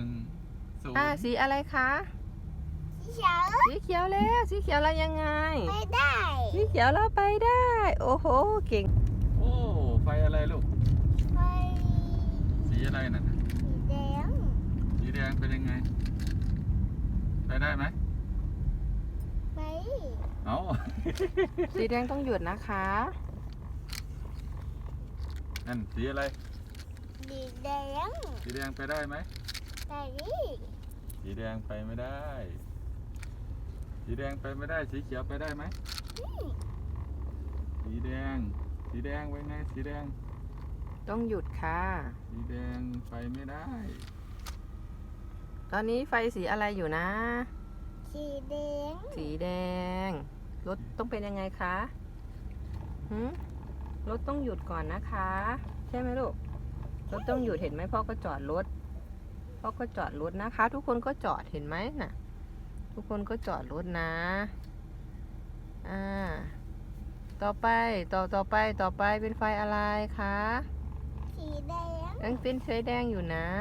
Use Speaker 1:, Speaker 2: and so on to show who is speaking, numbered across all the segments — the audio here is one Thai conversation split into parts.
Speaker 1: 0สีอะไรคะ
Speaker 2: สีเขียว
Speaker 1: สีเขียวแล้วสีเขียวแล้วยังไง
Speaker 2: ไปได้
Speaker 1: สีเขียวแล้วไปได้ โอ้โหเก่ง
Speaker 3: โอ้ไฟอะไรลูก
Speaker 2: ไป
Speaker 3: สีอะไรน่ะ
Speaker 2: สีแดง
Speaker 3: สีแดงเป็นยังไงไปได้ไหม
Speaker 2: ไป
Speaker 3: เอา
Speaker 1: สีแดงต้องหยุดนะคะ
Speaker 3: นั่นสีอะไร
Speaker 2: สีแดง
Speaker 3: สีแดงไปได้ไหม
Speaker 2: ไปดิ
Speaker 3: สีแดงไปไม่ได้สีแดงไปไม่ได้สีเขียวไปได้ไหมสีแดงไว้ไงสีแดง
Speaker 1: ต้องหยุดค่ะ
Speaker 3: สีแดงไปไม่ได้
Speaker 1: ตอนนี้ไฟสีอะไรอยู่นะ
Speaker 2: สีแดง
Speaker 1: สีแดงรถต้องเป็นยังไงคะรถต้องหยุดก่อนนะคะใช่ไหมลูกรถต้องหยุดเห็นไหมพ่อก็จอดรถนะคะ ทุกคนก็จอดเห็นไหมน่ะทุกคนก็จอดรถนะต่อไปเป็นไฟอะไรคะ
Speaker 2: สีแดง
Speaker 1: ยังเป็นไฟแดงอยู่นะ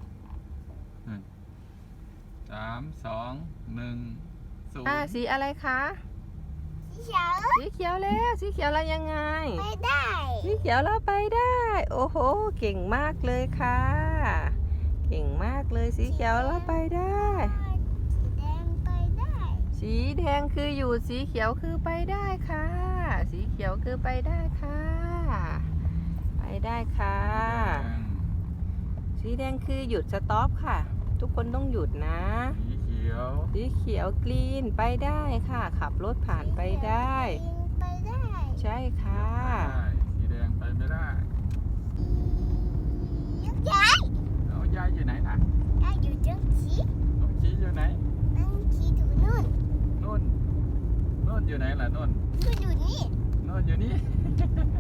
Speaker 3: 3 2 1 0
Speaker 1: สีอะไรคะ
Speaker 2: สีเขียว
Speaker 1: สีเขียวแล้วสีเขียวแล้วยังไง
Speaker 2: ไปได้
Speaker 1: สีเขียวแล้วไปได้ โอ้โหเก่งมากเลยค่ะเก่งมากเลยสีเขียวแล้วไปได้
Speaker 2: สีแดงไปได้
Speaker 1: สีแดงคืออยู่สีเขียวคือไปได้ค่ะสีเขียวคือไปได้ค่ะไปได้ค่ะสีแดงคือหยุดสต็อปค่ะทุกคนต้องหยุดนะสีเขียวกรีนไปได้ค่ะขับรถผ่านไปได้
Speaker 2: ไปได้
Speaker 1: ใช่ค่ะ
Speaker 3: สีแดงไปไม่ได้
Speaker 2: ยาย
Speaker 3: ยายอยู่ไหนน่ะ
Speaker 2: ยายอยู่จังสี
Speaker 3: น้องชี้อยู่ไหน
Speaker 2: นั่งขี่อยู่นู่น
Speaker 3: นู่นอยู่ไหนล่ะนู่น
Speaker 2: อยู่นี่
Speaker 3: นู่นอยู่นี่